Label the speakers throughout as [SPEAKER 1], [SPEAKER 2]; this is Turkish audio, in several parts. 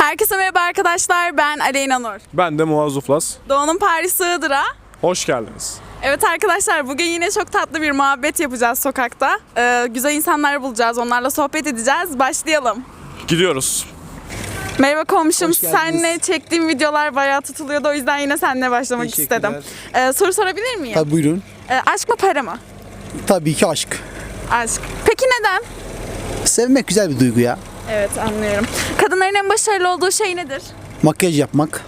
[SPEAKER 1] Herkese merhaba arkadaşlar, ben Aleyna Nur.
[SPEAKER 2] Ben de Muaz Uflas.
[SPEAKER 1] Doğu'nun Paris Iğdır'a.
[SPEAKER 2] Hoş geldiniz.
[SPEAKER 1] Evet arkadaşlar, bugün yine çok tatlı bir muhabbet yapacağız sokakta. Güzel insanlar bulacağız, onlarla sohbet edeceğiz. Başlayalım.
[SPEAKER 2] Gidiyoruz.
[SPEAKER 1] Merhaba komşum,
[SPEAKER 3] Hoş geldiniz.
[SPEAKER 1] seninle çektiğim videolar bayağı tutuluyordu. O yüzden yine seninle başlamak
[SPEAKER 3] Teşekkürler.
[SPEAKER 1] istedim. Soru sorabilir miyim?
[SPEAKER 3] Tabii buyurun.
[SPEAKER 1] Aşk mı para mı?
[SPEAKER 3] Tabii ki aşk.
[SPEAKER 1] Aşk. Peki neden?
[SPEAKER 3] Sevmek güzel bir duygu ya.
[SPEAKER 1] Evet, anlıyorum. Kadınların en başarılı olduğu şey nedir?
[SPEAKER 3] Makyaj yapmak,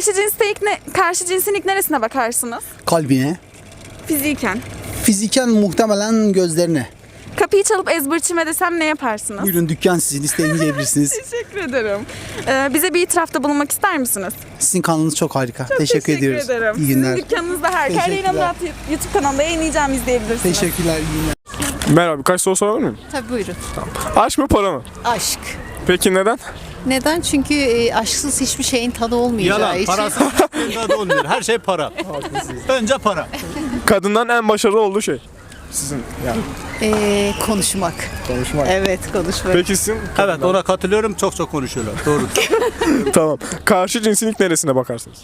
[SPEAKER 1] Karşı cinsin ilk neresine bakarsınız?
[SPEAKER 3] kalbine,
[SPEAKER 1] Fiziken.
[SPEAKER 3] fiziken muhtemelen gözlerine.
[SPEAKER 1] Kapıyı çalıp ezbırçime desem ne yaparsınız?
[SPEAKER 3] Buyurun dükkan sizin, istediğinizi yiyebilirsiniz.
[SPEAKER 1] Teşekkür ederim. Bize bir itirafta bulunmak ister misiniz?
[SPEAKER 3] Sizin kanalınız çok harika. Teşekkür ediyoruz.
[SPEAKER 1] ederim.
[SPEAKER 3] İyi günler.
[SPEAKER 1] Sizin dükkanınızda harika. Her
[SPEAKER 3] Teşekkürler.
[SPEAKER 1] yayınımda YouTube kanalında yayınlayacağım, izleyebilirsiniz.
[SPEAKER 3] Teşekkürler, iyi günler.
[SPEAKER 2] Merhaba, birkaç soru sorabilir miyim?
[SPEAKER 4] Tabii buyurun.
[SPEAKER 2] Aşk mı para mı?
[SPEAKER 4] Aşk.
[SPEAKER 2] Peki neden?
[SPEAKER 4] Neden? Çünkü aşksız hiçbir şeyin tadı olmayacağı
[SPEAKER 5] Yalan,
[SPEAKER 4] için.
[SPEAKER 5] parasız da olmuyor. Her şey para. Önce para.
[SPEAKER 2] Kadından en başarılı olduğu şey. Sizin yani.
[SPEAKER 4] Konuşmak.
[SPEAKER 2] Konuşmak.
[SPEAKER 4] Evet, konuşmak.
[SPEAKER 2] Peki sizin?
[SPEAKER 5] Evet, ona katılıyorum. Çok konuşuyorlar. Doğru.
[SPEAKER 2] Tamam. Karşı cinsin ilk neresine bakarsınız?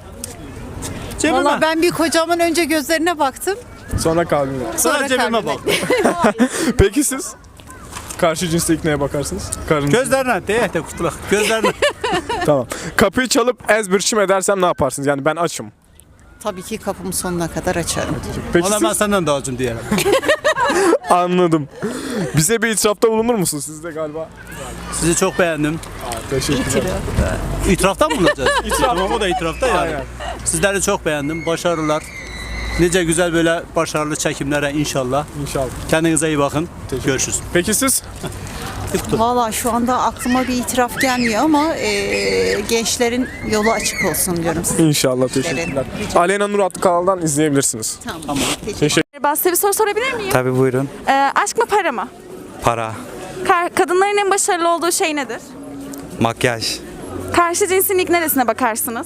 [SPEAKER 5] Cebime.
[SPEAKER 4] Valla ben bir kocamın önce gözlerine baktım.
[SPEAKER 2] Sonra kalbine.
[SPEAKER 5] Sonra cebime
[SPEAKER 4] kalbime.
[SPEAKER 5] bak.
[SPEAKER 2] Peki siz? Karşı cinste ilk neye bakarsınız? Karınız.
[SPEAKER 5] Gözlerine değil de kutulak. Gözlerine.
[SPEAKER 2] Tamam. Kapıyı çalıp ezbirçim edersem ne yaparsınız? Yani ben açım.
[SPEAKER 4] Tabii ki kapımı sonuna kadar açarım.
[SPEAKER 2] Peki
[SPEAKER 5] Ona ben
[SPEAKER 2] siz?
[SPEAKER 5] senden daha acım diyelim.
[SPEAKER 2] Anladım. Bize bir itirafta bulunur musunuz? Siz de galiba.
[SPEAKER 5] Sizi çok beğendim.
[SPEAKER 2] Teşekkürler.
[SPEAKER 5] İtirafta mı bulunacağız? İtiraf. O da itirafta yani.
[SPEAKER 2] Aynen.
[SPEAKER 5] Sizleri çok beğendim. Başarılar. Nice güzel böyle başarılı çekimlere inşallah.
[SPEAKER 2] İnşallah.
[SPEAKER 5] Kendinize iyi bakın. Görüşürüz.
[SPEAKER 2] Peki siz?
[SPEAKER 4] Valla şu anda aklıma bir itiraf gelmiyor ama gençlerin yolu açık olsun diyorum size.
[SPEAKER 2] İnşallah. Teşekkürler. Aleyna Nur adlı kanaldan izleyebilirsiniz.
[SPEAKER 4] Tamam.
[SPEAKER 2] Teşekkür.
[SPEAKER 1] Merhaba, size bir soru sorabilir miyim?
[SPEAKER 6] Tabii buyurun.
[SPEAKER 1] Aşk mı para mı?
[SPEAKER 6] Para,
[SPEAKER 1] Kadınların en başarılı olduğu şey nedir?
[SPEAKER 6] makyaj,
[SPEAKER 1] Karşı cinsin ilk neresine bakarsınız?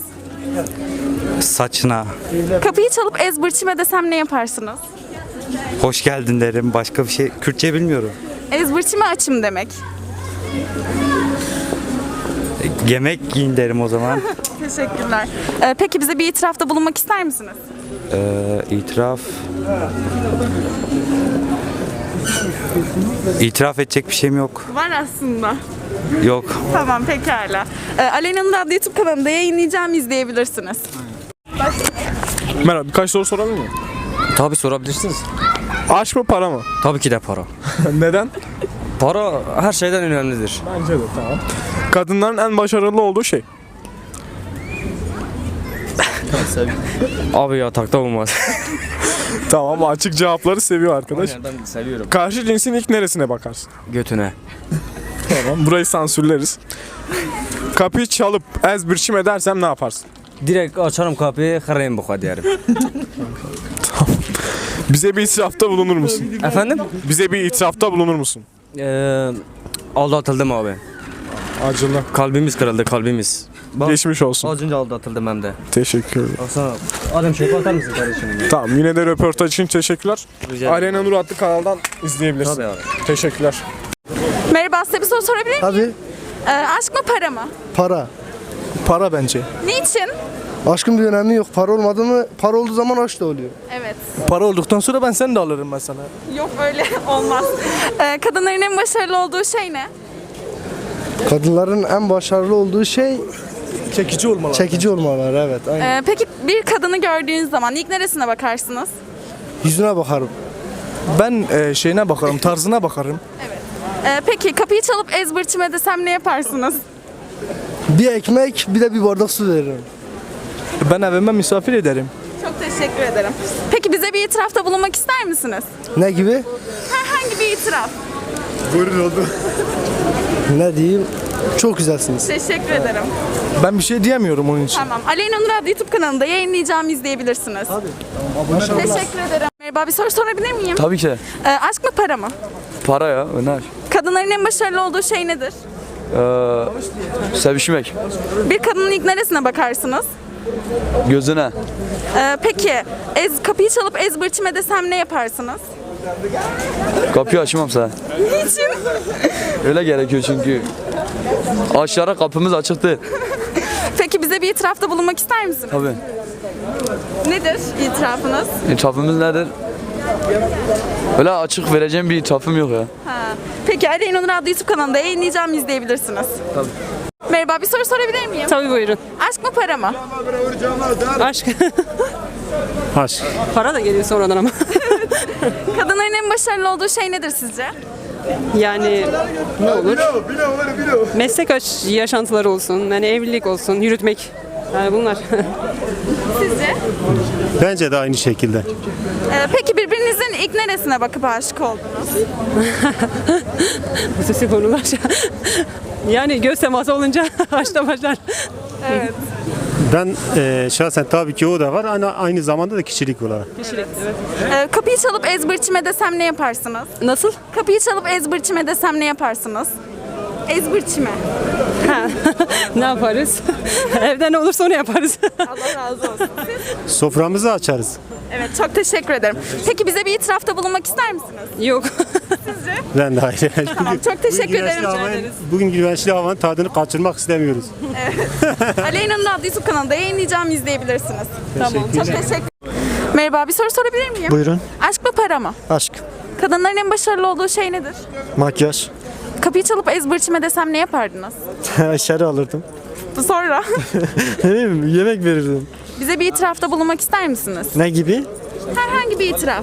[SPEAKER 6] saçına,
[SPEAKER 1] Kapıyı çalıp ezbırçime desem ne yaparsınız?
[SPEAKER 6] hoş geldin derim. Başka bir şey. Kürtçe bilmiyorum.
[SPEAKER 1] Ezbırçime açım demek.
[SPEAKER 6] Yemek giyin derim o zaman.
[SPEAKER 1] Teşekkürler. Peki bize bir itirafta bulunmak ister misiniz?
[SPEAKER 6] İtiraf. İtiraf edecek bir şeyim yok.
[SPEAKER 1] Var aslında.
[SPEAKER 6] Yok.
[SPEAKER 1] Tamam, pekala. Aleyna'nın adlı YouTube kanalında yayınlayacağım, izleyebilirsiniz.
[SPEAKER 2] Merhaba, birkaç soru sorabilir miyim?
[SPEAKER 7] Tabii sorabilirsiniz.
[SPEAKER 2] Aşk mı para mı?
[SPEAKER 7] Tabii ki de para.
[SPEAKER 2] Neden?
[SPEAKER 7] Para her şeyden önemlidir.
[SPEAKER 2] Bence de tamam. Kadınların en başarılı olduğu şey.
[SPEAKER 7] Abi yatakta olmaz.
[SPEAKER 2] Tamam, açık cevapları seviyor arkadaş.
[SPEAKER 7] Ben seviyorum.
[SPEAKER 2] Karşı cinsin ilk neresine bakarsın?
[SPEAKER 7] Götüne.
[SPEAKER 2] Tamam, burayı sansürleriz. Kapıyı çalıp ezbirçim edersem ne yaparsın?
[SPEAKER 7] Direkt açarım kapıyı, kırayım bu kadar.
[SPEAKER 2] Bize bir itirafta bulunur musun?
[SPEAKER 7] Efendim?
[SPEAKER 2] Bize bir itirafta bulunur musun?
[SPEAKER 7] Aldatıldım abi.
[SPEAKER 2] Acılı.
[SPEAKER 7] Kalbimiz kırıldı, kalbimiz. Bak,
[SPEAKER 2] Geçmiş olsun.
[SPEAKER 7] az önce aldatıldım hem de.
[SPEAKER 2] Teşekkür ederim.
[SPEAKER 7] Baksana. Adam şöyle atar mısın kardeşim?
[SPEAKER 2] Tamam, yine de röportaj için teşekkürler.
[SPEAKER 7] Rica ederim.
[SPEAKER 2] Aleyna Nur adlı kanaldan izleyebilirsin.
[SPEAKER 7] Tabii abi.
[SPEAKER 2] Teşekkürler.
[SPEAKER 1] Merhaba, size bir soru sorabilir miyim?
[SPEAKER 8] Tabii
[SPEAKER 1] Aşk mı para mı?
[SPEAKER 8] para. Para bence.
[SPEAKER 1] Niçin?
[SPEAKER 8] Aşkın bir önemi yok. Para olmadı mı? Para olduğu zaman aşk da oluyor.
[SPEAKER 1] Evet.
[SPEAKER 8] Para olduktan sonra ben seni de alırım mesela.
[SPEAKER 1] Yok, öyle olmaz. Kadınların en başarılı olduğu şey ne?
[SPEAKER 8] Kadınların en başarılı olduğu şey
[SPEAKER 5] Çekici olmalı.
[SPEAKER 8] çekici olmaları, evet. Aynen.
[SPEAKER 1] Peki bir kadını gördüğünüz zaman ilk neresine bakarsınız?
[SPEAKER 8] Yüzüne bakarım.
[SPEAKER 9] Ben şeyine bakarım, tarzına bakarım.
[SPEAKER 1] Peki kapıyı çalıp ezbırçime desem ne yaparsınız?
[SPEAKER 8] Bir ekmek, bir de bir bardak su veririm.
[SPEAKER 9] Ben evime misafir ederim.
[SPEAKER 1] Çok teşekkür ederim. Peki bize bir itirafta bulunmak ister misiniz?
[SPEAKER 8] Ne gibi?
[SPEAKER 1] Herhangi bir itiraf.
[SPEAKER 8] Ne diyeyim? Çok güzelsiniz.
[SPEAKER 1] Teşekkür ederim.
[SPEAKER 9] Ben bir şey diyemiyorum onun için.
[SPEAKER 1] Tamam. Aleyna Nur adlı YouTube kanalında yayınlayacağım, izleyebilirsiniz. Teşekkür ederim. Merhaba, bir soru sorabilir miyim?
[SPEAKER 7] Tabii ki de.
[SPEAKER 1] Aşk mı para mı?
[SPEAKER 7] Para ya, öner.
[SPEAKER 1] Kadınların en başarılı olduğu şey nedir?
[SPEAKER 7] Sevişmek.
[SPEAKER 1] Bir kadının ilk neresine bakarsınız?
[SPEAKER 7] Gözüne.
[SPEAKER 1] Peki kapıyı çalıp ezbırçime desem ne yaparsınız?
[SPEAKER 7] Kapıyı açmam sana.
[SPEAKER 1] Niçin?
[SPEAKER 7] Öyle gerekiyor çünkü. Aşağı kapımız açıktı.
[SPEAKER 1] Peki bize bir itirafta bulunmak ister misiniz?
[SPEAKER 7] Tabii.
[SPEAKER 1] Nedir itirafınız?
[SPEAKER 7] İtirafımız nedir? Öyle açık vereceğim bir itirafım yok ya.
[SPEAKER 1] Peki Aleyna Nur adlı YouTube kanalında yayınlayacağım, izleyebilirsiniz.
[SPEAKER 7] Tabii.
[SPEAKER 1] Merhaba, bir soru sorabilir miyim?
[SPEAKER 10] Tabii buyurun.
[SPEAKER 1] Aşk mı para mı?
[SPEAKER 10] Aşk.
[SPEAKER 5] Aşk.
[SPEAKER 10] Para da geliyor sonradan ama.
[SPEAKER 1] Kadınların en başarılı olduğu şey nedir sizce?
[SPEAKER 10] Yani ne olur? Meslek yaşantıları olsun, yani evlilik olsun, yürütmek. Yani bunlar.
[SPEAKER 1] Sizce?
[SPEAKER 5] Bence de aynı şekilde.
[SPEAKER 1] Peki birbirinizin ilk neresine bakıp aşık oldunuz?
[SPEAKER 10] Bu sesi konular. Yani göz teması olunca aşkta başlar.
[SPEAKER 1] Evet.
[SPEAKER 5] Ben şahsen tabii ki o da var. Aynı zamanda da kişilik olarak.
[SPEAKER 10] Kişilik, evet.
[SPEAKER 1] Kapıyı çalıp ezbırçime desem ne yaparsınız?
[SPEAKER 10] Nasıl?
[SPEAKER 1] Kapıyı çalıp ezbırçime desem ne yaparsınız? Ezbırçime.
[SPEAKER 10] Ha. Ne yaparız? Evde ne olursa onu yaparız.
[SPEAKER 1] Allah razı olsun.
[SPEAKER 5] Soframızı açarız.
[SPEAKER 1] Evet, çok teşekkür ederim. Peki bize bir itirafta bulunmak ister misiniz?
[SPEAKER 10] Yok.
[SPEAKER 5] Ben de aynı.
[SPEAKER 1] Tamam, çok teşekkür ederim.
[SPEAKER 5] Bugün güneşli havanın tadını kaçırmak istemiyoruz.
[SPEAKER 1] Aleyna'nın adlı YouTube kanalında yayınlayacağım, izleyebilirsiniz. Tamam, çok teşekkür. Merhaba, bir soru sorabilir miyim?
[SPEAKER 11] Buyurun.
[SPEAKER 1] Aşk mı para mı?
[SPEAKER 11] Aşk.
[SPEAKER 1] Kadınların en başarılı olduğu şey nedir?
[SPEAKER 11] Makyaj.
[SPEAKER 1] Kapıyı çalıp ezbırçime desem ne yapardınız?
[SPEAKER 11] İçeri alırdım.
[SPEAKER 1] Sonra
[SPEAKER 11] Ne bileyim, yemek verirdim.
[SPEAKER 1] bize bir itirafta bulunmak ister misiniz?
[SPEAKER 11] Ne gibi?
[SPEAKER 1] Herhangi bir itiraf.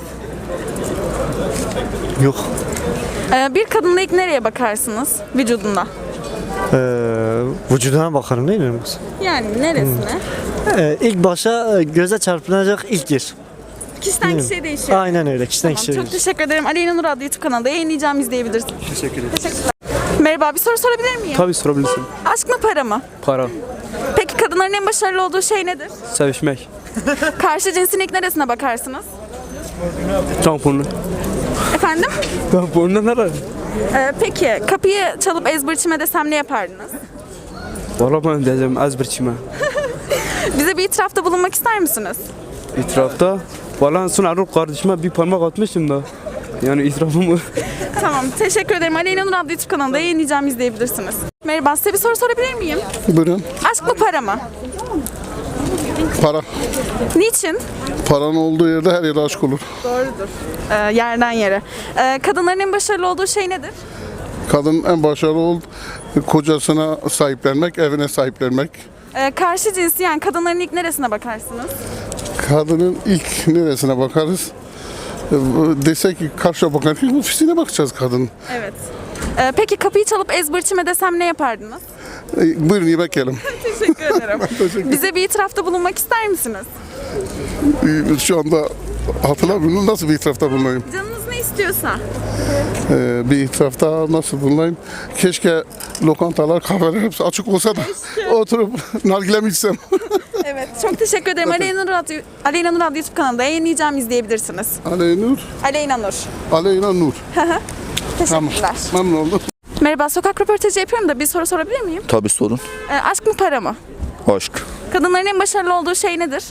[SPEAKER 11] Yok.
[SPEAKER 1] Bir kadınla ilk nereye bakarsınız vücudunda?
[SPEAKER 11] Vücuduna bakarım değil mi?
[SPEAKER 1] Yani neresine?
[SPEAKER 11] İlk başa göze çarpılacak ilk yer.
[SPEAKER 1] Kişiden kişiye değişiyor.
[SPEAKER 11] Aynen öyle. Kişiden
[SPEAKER 1] Tamam,
[SPEAKER 11] kişiye
[SPEAKER 1] çok
[SPEAKER 11] değişir.
[SPEAKER 1] teşekkür ederim. Aleyna Nur adlı YouTube kanalında yayınlayacağım, izleyebilirsiniz. Teşekkür ederim. Teşekkürler. Merhaba, bir soru sorabilir miyim?
[SPEAKER 9] Tabii sorabilirsin.
[SPEAKER 1] Aşk mı para mı?
[SPEAKER 9] Para.
[SPEAKER 1] Peki kadınların en başarılı olduğu şey nedir?
[SPEAKER 9] Sevişmek.
[SPEAKER 1] Karşı cinsin ilk neresine bakarsınız?
[SPEAKER 9] Tamponu.
[SPEAKER 1] Efendim?
[SPEAKER 9] Tamponu nerede?
[SPEAKER 1] Peki kapıyı çalıp ezbırçime desem ne yapardınız?
[SPEAKER 9] Valla ben diyeceğim ezberçime.
[SPEAKER 1] Bize bir itirafta bulunmak ister misiniz?
[SPEAKER 9] İtirafta. Valla son Aruk kardeşime bir parmak atmıştım da. Yani itirafım
[SPEAKER 1] Tamam, teşekkür ederim. Aleyna Nur adlı YouTube kanalında yayınlayacağım, izleyebilirsiniz. Merhaba, size bir soru sorabilir miyim?
[SPEAKER 8] Buyurun.
[SPEAKER 1] Aşk mı para mı?
[SPEAKER 8] Para.
[SPEAKER 1] Niçin?
[SPEAKER 8] Paranın olduğu yerde her yere aşk olur.
[SPEAKER 1] Doğrudur. Yerden yere. Kadınların en başarılı olduğu şey nedir?
[SPEAKER 8] Kadın en başarılı oldu. Kocasına sahiplenmek, evine sahiplenmek.
[SPEAKER 1] Karşı cinsi, yani kadınların ilk neresine bakarsınız?
[SPEAKER 8] Kadının ilk neresine bakarız? Desek ki karşıya bakarken ofisine bakacağız kadın.
[SPEAKER 1] Evet. Peki kapıyı çalıp ezbırçime desem ne yapardınız?
[SPEAKER 8] Buyurun yemek yiyelim.
[SPEAKER 1] Teşekkür ederim. Bize bir itirafta bulunmak ister misiniz?
[SPEAKER 8] Şu anda hatırlamıyorum nasıl bir itirafta bulunayım.
[SPEAKER 1] Canınız ne istiyorsa.
[SPEAKER 8] Bir itirafta nasıl bulunayım? Keşke lokantalar, kahveler hepsi açık olsa da oturup nargilemi içsem.
[SPEAKER 1] Evet, çok teşekkür ederim. Aleyna Nur adlı YouTube kanalında yayınlayacağım, izleyebilirsiniz.
[SPEAKER 8] Aleyna Nur.
[SPEAKER 1] Aleyna Nur.
[SPEAKER 8] Aleyna Nur.
[SPEAKER 1] Teşekkürler.
[SPEAKER 8] Memnun oldum.
[SPEAKER 1] Merhaba, sokak röportajı yapıyorum da bir soru sorabilir miyim?
[SPEAKER 7] Tabii sorun.
[SPEAKER 1] Aşk mı para mı?
[SPEAKER 7] Aşk.
[SPEAKER 1] Kadınların en başarılı olduğu şey nedir?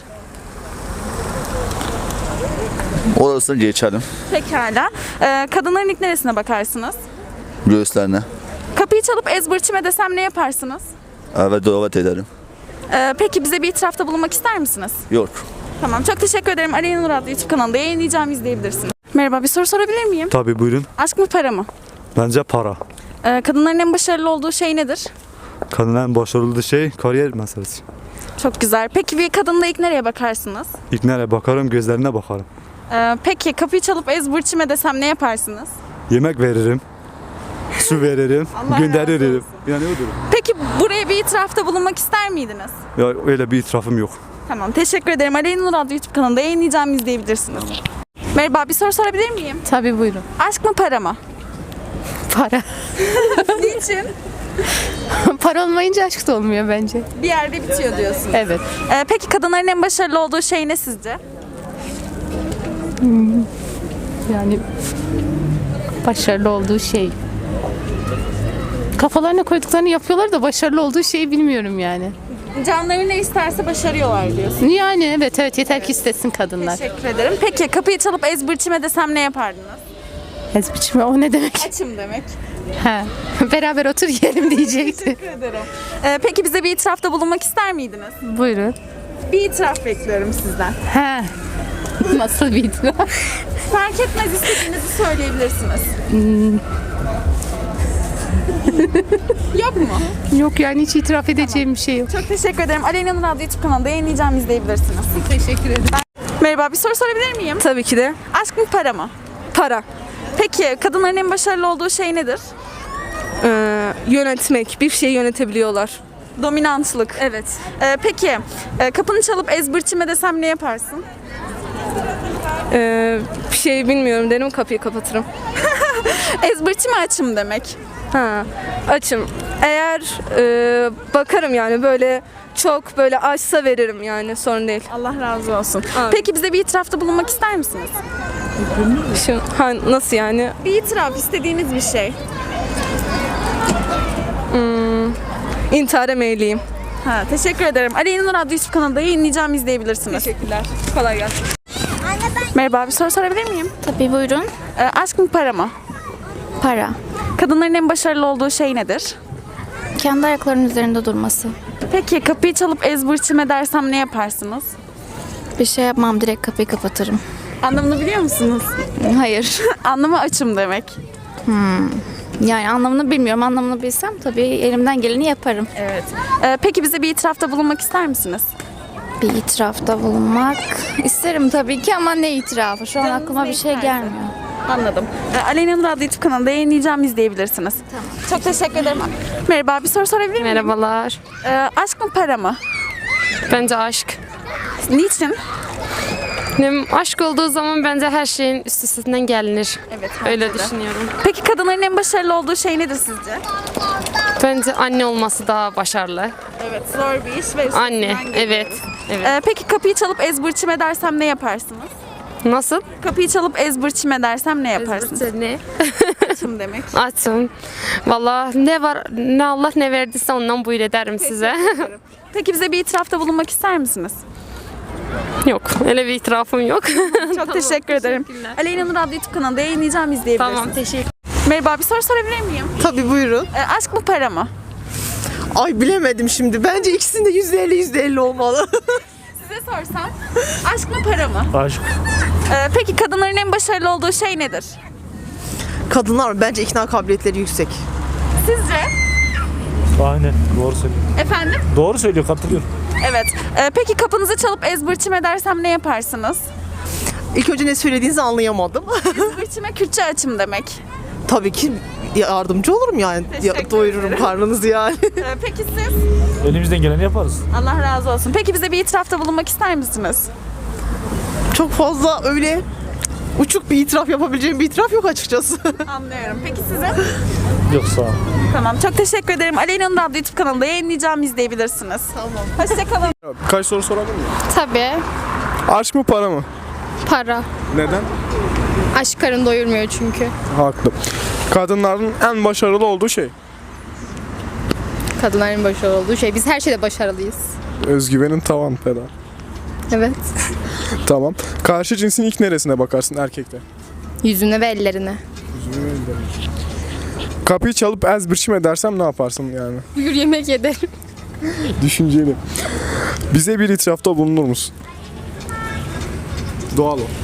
[SPEAKER 7] Orasını geçelim.
[SPEAKER 1] Pekala. Kadınların ilk neresine bakarsınız?
[SPEAKER 7] Göğüslerine.
[SPEAKER 1] Kapıyı çalıp ezbırçime desem ne yaparsınız?
[SPEAKER 7] Evet davet ederim.
[SPEAKER 1] Peki bize bir itirafta bulunmak ister misiniz?
[SPEAKER 7] Yok.
[SPEAKER 1] Tamam, çok teşekkür ederim. Aleyna Nur adlı YouTube kanalında yayınlayacağım, izleyebilirsiniz. Merhaba, bir soru sorabilir miyim?
[SPEAKER 6] Tabii buyurun.
[SPEAKER 1] Aşk mı para mı?
[SPEAKER 6] Bence para.
[SPEAKER 1] Kadınların en başarılı olduğu şey nedir?
[SPEAKER 6] Kadının başarılı şey kariyer meselesi.
[SPEAKER 1] Çok güzel. Peki bir kadınla ilk nereye bakarsınız?
[SPEAKER 6] İlk nereye bakarım? Gözlerine bakarım.
[SPEAKER 1] Peki kapıyı çalıp ezbırçime desem ne yaparsınız?
[SPEAKER 6] Yemek veririm. Su veririm.
[SPEAKER 1] Allah razı
[SPEAKER 6] gönderirim.
[SPEAKER 1] olsun.
[SPEAKER 6] Yani odur.
[SPEAKER 1] Peki buraya bir itirafta bulunmak ister miydiniz?
[SPEAKER 6] Ya öyle bir itirafım yok.
[SPEAKER 1] Tamam, teşekkür ederim. Aleyna Nur adlı YouTube kanalında yayınlayacağım, izleyebilirsiniz. Merhaba, bir soru sorabilir miyim?
[SPEAKER 10] Tabii buyurun.
[SPEAKER 1] Aşk mı para mı?
[SPEAKER 10] Para.
[SPEAKER 1] Niçin?
[SPEAKER 10] Para olmayınca aşk da olmuyor bence.
[SPEAKER 1] Bir yerde bitiyor diyorsun.
[SPEAKER 10] Evet.
[SPEAKER 1] Peki kadınların en başarılı olduğu şey ne sizce?
[SPEAKER 10] Yani başarılı olduğu şey. Kafalarına koyduklarını yapıyorlar da başarılı olduğu şeyi bilmiyorum yani.
[SPEAKER 1] Canları ne isterse başarıyorlar diyorsun.
[SPEAKER 10] Yani evet yeter ki istesin kadınlar.
[SPEAKER 1] Teşekkür ederim. Peki kapıyı çalıp ezbırçime desem ne yapardınız?
[SPEAKER 12] Ez biçimi o ne demek?
[SPEAKER 1] Açım demek.
[SPEAKER 12] Ha. Beraber otur yiyelim diyecekti.
[SPEAKER 1] Teşekkür ederim. Peki bize bir itirafta bulunmak ister miydiniz?
[SPEAKER 12] Buyurun.
[SPEAKER 1] Bir itiraf bekliyorum sizden.
[SPEAKER 12] Ha. Nasıl bir itiraf?
[SPEAKER 1] Fark etmez, istediğinizi söyleyebilirsiniz. Yok mu?
[SPEAKER 12] Yok yani hiç itiraf edeceğim bir şey yok.
[SPEAKER 1] Çok teşekkür ederim. Aleyna Nur adlı YouTube kanalında yayınlayacağım, izleyebilirsiniz.
[SPEAKER 12] Teşekkür ederim.
[SPEAKER 1] Merhaba, bir soru sorabilir miyim?
[SPEAKER 10] Tabii ki de.
[SPEAKER 1] Aşk mı para mı?
[SPEAKER 10] Para.
[SPEAKER 1] Peki kadınların en başarılı olduğu şey nedir?
[SPEAKER 10] Yönetmek. Bir şeyi yönetebiliyorlar.
[SPEAKER 1] Dominantlık.
[SPEAKER 10] Evet.
[SPEAKER 1] Peki kapını çalıp ezbirçime desem ne yaparsın?
[SPEAKER 10] Bir şey bilmiyorum derim, kapıyı kapatırım.
[SPEAKER 1] Ezbirçime açım demek.
[SPEAKER 10] Ha, açım. Eğer bakarım yani böyle çok böyle açsa veririm yani, sorun değil.
[SPEAKER 1] Allah razı olsun.
[SPEAKER 10] Amin.
[SPEAKER 1] Peki bize bir itirafta bulunmak ister misiniz?
[SPEAKER 10] Nasıl yani?
[SPEAKER 1] Bir itiraf, istediğiniz bir şey.
[SPEAKER 10] İntihara meyilliyim.
[SPEAKER 1] Ha, teşekkür ederim. Aleyna Nur adlı YouTube kanalında yayınlayacağım, izleyebilirsiniz.
[SPEAKER 10] Teşekkürler. Kolay gelsin.
[SPEAKER 1] Merhaba, bir soru sorabilir miyim?
[SPEAKER 12] Tabii buyurun.
[SPEAKER 1] Aşk mı para mı?
[SPEAKER 12] Para.
[SPEAKER 1] Kadınların en başarılı olduğu şey nedir?
[SPEAKER 12] Kendi ayaklarının üzerinde durması.
[SPEAKER 1] Peki kapıyı çalıp ezbirçime dersem ne yaparsınız?
[SPEAKER 12] Bir şey yapmam, direkt kapıyı kapatırım.
[SPEAKER 1] Anlamını biliyor musunuz?
[SPEAKER 12] Hayır.
[SPEAKER 1] Anlamı açım demek.
[SPEAKER 12] Yani anlamını bilmiyorum. Anlamını bilsem tabii elimden geleni yaparım.
[SPEAKER 1] Evet. Peki bize bir itirafta bulunmak ister misiniz?
[SPEAKER 12] Bir itirafta bulunmak isterim tabii ki ama ne itirafı? Şu an
[SPEAKER 1] Canınız
[SPEAKER 12] aklıma
[SPEAKER 1] ne
[SPEAKER 12] bir şey
[SPEAKER 1] isterse.
[SPEAKER 12] gelmiyor.
[SPEAKER 1] Anladım. Aleyna Nur adlı YouTube kanalında yayınlayacağım, izleyebilirsiniz. Tamam. Çok teşekkür ederim. Merhaba, bir soru sorabilir miyim?
[SPEAKER 10] Merhabalar.
[SPEAKER 1] Aşk mı para mı?
[SPEAKER 10] Bence aşk.
[SPEAKER 1] Niçin?
[SPEAKER 10] Aşk olduğu zaman bence her şeyin üstesinden gelinir.
[SPEAKER 1] Evet.
[SPEAKER 10] Öyle
[SPEAKER 1] bence de.
[SPEAKER 10] düşünüyorum.
[SPEAKER 1] Peki kadınların en başarılı olduğu şey nedir sizce?
[SPEAKER 10] Bence anne olması daha başarılı.
[SPEAKER 1] Evet, zor bir iş ve
[SPEAKER 10] Anne, evet. Evet.
[SPEAKER 1] Peki kapıyı çalıp ezbirçime dersem ne yaparsınız?
[SPEAKER 10] Nasıl?
[SPEAKER 1] Kapıyı çalıp ezbirçime dersem ne yaparsınız?
[SPEAKER 10] Ne?
[SPEAKER 1] Açım demek.
[SPEAKER 10] Açım. Vallahi ne var, ne Allah ne verdiyse ondan buyur ederim size.
[SPEAKER 1] Peki bize bir itirafta bulunmak ister misiniz?
[SPEAKER 10] Yok, öyle bir itirafım yok.
[SPEAKER 1] Çok teşekkür ederim. Aleyna Nur adlı YouTube kanalında yayınlayacağım, izleyebilirsiniz.
[SPEAKER 10] Tamam, teşekkür.
[SPEAKER 1] Merhaba, bir soru sorabilir miyim?
[SPEAKER 13] Tabii buyurun.
[SPEAKER 1] Aşk mı para mı?
[SPEAKER 13] Ay bilemedim şimdi. Bence ikisinde %50 olmalı.
[SPEAKER 1] Size sorsam aşk mı para mı?
[SPEAKER 11] Aşk.
[SPEAKER 1] Peki kadınların en başarılı olduğu şey nedir?
[SPEAKER 13] Kadınlar bence ikna kabiliyetleri yüksek.
[SPEAKER 1] Sizce?
[SPEAKER 11] Aynen. Doğru söylüyor.
[SPEAKER 1] Efendim?
[SPEAKER 11] Doğru söylüyor. Katılıyorum.
[SPEAKER 1] Evet. Peki kapınızı çalıp ezbirçime dersem ne yaparsınız?
[SPEAKER 13] İlk önce ne söylediğinizi anlayamadım.
[SPEAKER 1] Ezbirçime Kürtçe açım demek.
[SPEAKER 13] Tabii ki yardımcı olurum yani.
[SPEAKER 1] Teşekkür
[SPEAKER 13] Doyururum
[SPEAKER 1] ederim.
[SPEAKER 13] karnınızı yani.
[SPEAKER 1] Peki siz?
[SPEAKER 11] Elimizden geleni yaparız.
[SPEAKER 1] Allah razı olsun. Peki bize bir itirafta bulunmak ister misiniz?
[SPEAKER 13] Çok fazla öyle uçuk bir itiraf yapabileceğim bir itiraf yok açıkçası.
[SPEAKER 1] Anlıyorum. Peki size?
[SPEAKER 11] Yok sağ ol.
[SPEAKER 1] Tamam. Çok teşekkür ederim. Aleyna Nur adlı YouTube kanalında yayınlayacağım, izleyebilirsiniz. Tamam. Hoşçakalın.
[SPEAKER 2] Birkaç soru sorabilir miyim?
[SPEAKER 12] Tabii.
[SPEAKER 2] Aşk mı para mı?
[SPEAKER 12] Para.
[SPEAKER 2] Neden?
[SPEAKER 12] Aşk karın doyurmuyor çünkü.
[SPEAKER 2] Haklı. Kadınların en başarılı olduğu şey.
[SPEAKER 12] Kadınların başarılı olduğu şey. Biz her şeyde başarılıyız.
[SPEAKER 2] Özgüvenin tavan pedal.
[SPEAKER 12] Evet.
[SPEAKER 2] Tamam. Karşı cinsin ilk neresine bakarsın erkekte?
[SPEAKER 12] Yüzüne ve ellerine.
[SPEAKER 2] Kapıyı çalıp ezbirçim edersem ne yaparsın yani?
[SPEAKER 12] Buyur yemek yederim.
[SPEAKER 2] Düşünceli. Bize bir itirafta bulunur musun? Doğal ol.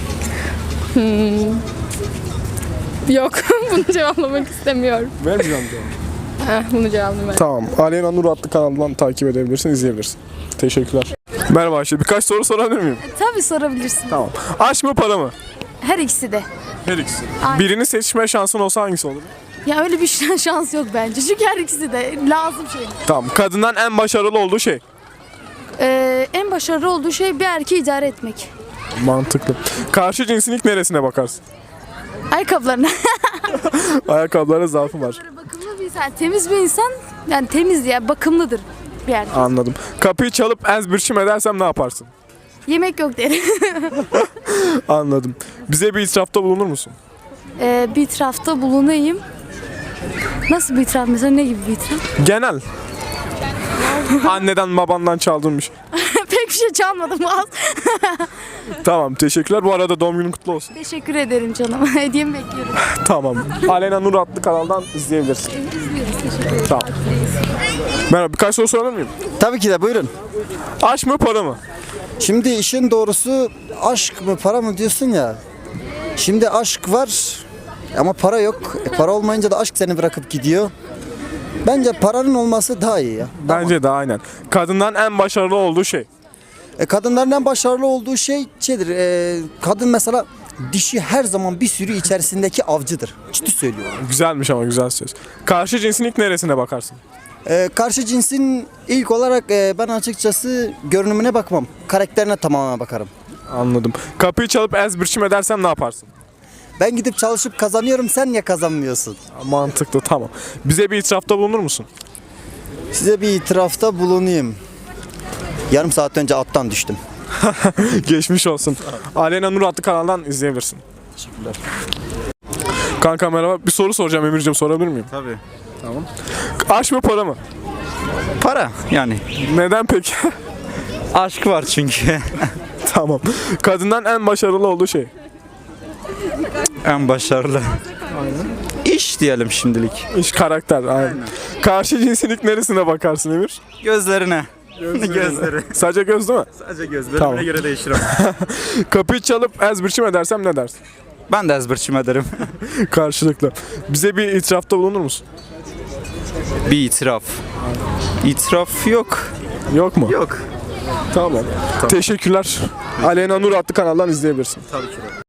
[SPEAKER 12] Yok. Bunu cevaplamak istemiyorum.
[SPEAKER 2] Vermeyeceğim doğal.
[SPEAKER 12] Bunu cevaplamak.
[SPEAKER 2] Tamam. Aleyna Nur adlı kanalından takip edebilirsin, izleyebilirsin. Teşekkürler. Merhaba Ayşe. Birkaç soru sorabilir miyim?
[SPEAKER 12] Tabii sorabilirsin.
[SPEAKER 2] Tamam. Aşk mı para mı?
[SPEAKER 12] Her ikisi de.
[SPEAKER 2] Her ikisi. Birini seçme şansın olsa hangisi olur?
[SPEAKER 12] Ya öyle bir şans yok bence. Çünkü her ikisi de lazım şey.
[SPEAKER 2] Tamam. Kadından en başarılı olduğu şey.
[SPEAKER 12] En başarılı olduğu şey bir erkeği idare etmek.
[SPEAKER 2] Mantıklı. Karşı cinsin ilk neresine bakarsın?
[SPEAKER 12] Ayakkabılarına.
[SPEAKER 2] Ayakkabılara zaafı var.
[SPEAKER 12] Bakımlı bir insan, temiz bir insan. Yani temiz ya, bakımlıdır bir erkek.
[SPEAKER 2] Anladım. Kapıyı çalıp ezbirçim edersem ne yaparsın?
[SPEAKER 12] Yemek yok derim.
[SPEAKER 2] Anladım. Bize bir itirafta bulunur musun?
[SPEAKER 12] Bir itirafta bulunayım. Nasıl bir itiraf mesela, ne gibi bir itiraf?
[SPEAKER 2] Genel. Anneden babandan çaldığın bir şey.
[SPEAKER 12] Pek bir şey çalmadım az.
[SPEAKER 2] Tamam teşekkürler. Bu arada doğum günün kutlu olsun.
[SPEAKER 12] Teşekkür ederim canım. Hediyemi bekliyorum.
[SPEAKER 2] Tamam. Aleyna Nur adlı kanaldan izleyebilirsin. Tamam. Merhaba, birkaç soru sorabilir miyim?
[SPEAKER 11] Tabii ki de buyurun.
[SPEAKER 2] Aşk mı para mı?
[SPEAKER 11] Şimdi işin doğrusu aşk mı para mı diyorsun ya. Şimdi aşk var ama para yok. Para olmayınca da aşk seni bırakıp gidiyor. Bence paranın olması daha iyi ya.
[SPEAKER 2] Bence de aynen. Kadından en başarılı olduğu şey.
[SPEAKER 11] Kadınların en başarılı olduğu şeydir. Kadın mesela dişi her zaman bir sürü içerisindeki avcıdır. Ciddi söylüyorum.
[SPEAKER 2] Güzelmiş ama güzel söz. Karşı cinsin ilk neresine bakarsın?
[SPEAKER 11] Karşı cinsin ilk olarak ben açıkçası görünümüne bakmam. Karakterine tamamen bakarım.
[SPEAKER 2] Anladım. Kapıyı çalıp ez biçim edersem ne yaparsın?
[SPEAKER 11] Ben gidip çalışıp kazanıyorum, sen niye kazanmıyorsun?
[SPEAKER 2] Mantıklı, tamam. Bize bir itirafta bulunur musun?
[SPEAKER 11] Size bir itirafta bulunayım. Yarım saat önce attan düştüm.
[SPEAKER 2] Geçmiş olsun. Aleyna Nur adlı kanaldan izleyebilirsin.
[SPEAKER 11] Teşekkürler.
[SPEAKER 2] Kanka merhaba. Bir soru soracağım Emir'cim, sorabilir miyim?
[SPEAKER 6] Tabii.
[SPEAKER 2] Tamam. Aşk mı para mı?
[SPEAKER 6] Para yani.
[SPEAKER 2] Neden peki?
[SPEAKER 6] Aşk var çünkü.
[SPEAKER 2] Tamam. Kadından en başarılı olduğu şey.
[SPEAKER 6] En başarılı. İş diyelim şimdilik.
[SPEAKER 2] İş, karakter. Aynen. Karşı cinsin ilk neresine bakarsın Emir?
[SPEAKER 6] Gözlerine. Gözleri.
[SPEAKER 2] Sadece göz değil mi?
[SPEAKER 6] Sadece gözlerime
[SPEAKER 2] Tamam.
[SPEAKER 6] göre değişir ama.
[SPEAKER 2] Kapıyı çalıp ez biçim edersem ne dersin?
[SPEAKER 6] Ben de ezberçim ederim.
[SPEAKER 2] Karşılıklı. Bize bir itirafta bulunur musun?
[SPEAKER 6] Bir itiraf. İtiraf yok.
[SPEAKER 2] Yok mu?
[SPEAKER 6] Yok.
[SPEAKER 2] Tamam. Teşekkürler. Aleyna Nur adlı kanaldan izleyebilirsin.
[SPEAKER 6] Tabii ki de.